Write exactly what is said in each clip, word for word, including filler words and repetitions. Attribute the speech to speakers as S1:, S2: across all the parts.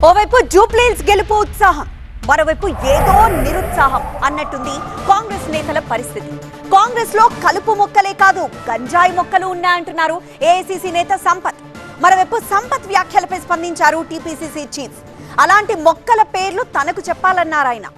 S1: ఓవైపు జూబ్లీహిల్స్ గెలుపు ఉత్సాహం, మరోవైపు ఏదో నిరుత్సాహం అన్నట్టుంది కాంగ్రెస్ నేతల పరిస్థితి. కాంగ్రెస్ లో కలుపు మొక్కలే కాదు గంజాయి మొక్కలు ఉన్నాయంటున్నారు ఏఐసీసీ నేత సంపత్. మరోవైపు సంపత్ వ్యాఖ్యలపై స్పందించారు టీపీసీసీ చీఫ్. అలాంటి మొక్కల పేర్లు తనకు చెప్పాలన్నారు ఆయన.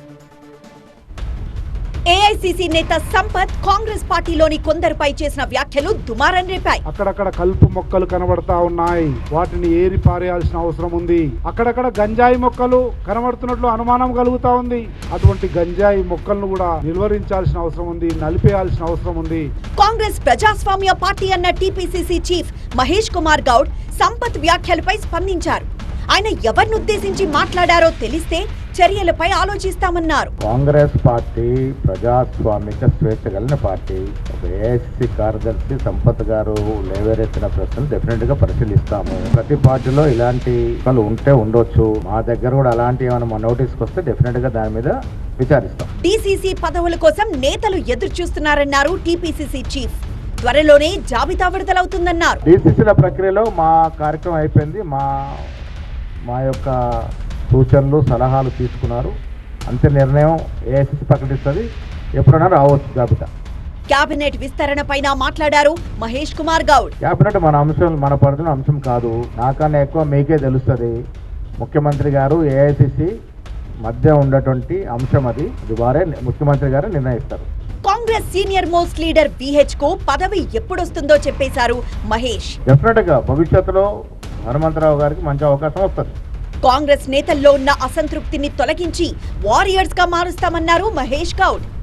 S1: ఏఐసీసీ నేత సంపత్ కాంగ్రెస్ పార్టీలోని కొందరిపై చేసిన వ్యాఖ్యలు దుమారం రేపాయి.
S2: అక్కడక్కడ కలుపు మొక్కలు కనబడతా ఉన్నాయి, వాటిని ఏరి పారేయాల్సిన అవసరం ఉంది. అక్కడక్కడ గంజాయి మొక్కలు కనబడుతున్నట్లు అనుమానం కలుగుతా ఉంది. అటువంటి గంజాయి మొక్కలను కూడా నిలువరించాల్సిన అవసరం ఉంది, నలిపేయాల్సిన అవసరం ఉంది.
S1: కాంగ్రెస్ ప్రజాస్వామ్య పార్టీ అన్న టీపీసీసీ చీఫ్ మహేష్ కుమార్ గౌడ్ సంపత్ వ్యాఖ్యలపై స్పందించారు. ఆయన ఎవరిని ఉద్దేశించి మాట్లాడారో తెలిస్తే చర్యలపై ఆలోచిస్తామన్నారు.
S3: కాంగ్రెస్ పార్టీ ప్రజాస్వామిక స్వేచ్ఛ కలిగిన పార్టీ. ఒక ఏఐసీసీ కార్యదర్శి సంపత్ గారు లేవరెత్తిన ప్రశ్నలు డెఫినెట్ గా పరిశీలిస్తాము. ప్రతి పార్టీలో ఇలాంటి ఉంటే ఉండొచ్చు, మా దగ్గర కూడా అలాంటి ఏమైనా నోటీస్కి వస్తే డెఫినెట్ గా దాని మీద విచారిస్తాం.
S1: డీసీసీ పదవుల కోసం నేతలు ఎదురు చూస్తున్నారన్నారు టీపీసీసీ చీఫ్. త్వరలోనే జాబితా విడుదలవుతుందన్నారు.
S3: డీసీసీల ప్రక్రియలో మా కార్యక్రమం అయిపోయింది. మా మా యొక్క సూచనలు సలహాలు తీసుకున్నారు. అంతే నిర్ణయం ఏఐసీసీ ప్రకటిస్తుంది. ఎప్పుడైనా రావచ్చు జాబితా.
S1: కేబినెట్ విస్తరణ పైన మాట్లాడారు మహేష్ కుమార్ గౌడ్.
S3: కేబినెట్ మన అంశం, మన పరిధిలో అంశం కాదు. నాకన్నా ఎక్కువ మీకే తెలుస్తుంది. ముఖ్యమంత్రి గారు ఏఐసీసీ మధ్య ఉన్నటువంటి అంశం అది. అది వారే ముఖ్యమంత్రి గారు నిర్ణయిస్తారు.
S1: కాంగ్రెస్ సీనియర్ మోస్ట్ లీడర్ బీహెచ్ కు పదవి ఎప్పుడొస్తుందో చెప్పేశారు మహేష్.
S3: డెఫినెట్ గా భవిష్యత్తులో హనుమంతరావు గారికి మంచి అవకాశం వస్తుంది.
S1: కాంగ్రెస్ నేతల్లో ఉన్న అసంతృప్తిని తొలగించి వారియర్స్ గా మారుస్తామన్నారు మహేష్ గౌడ్.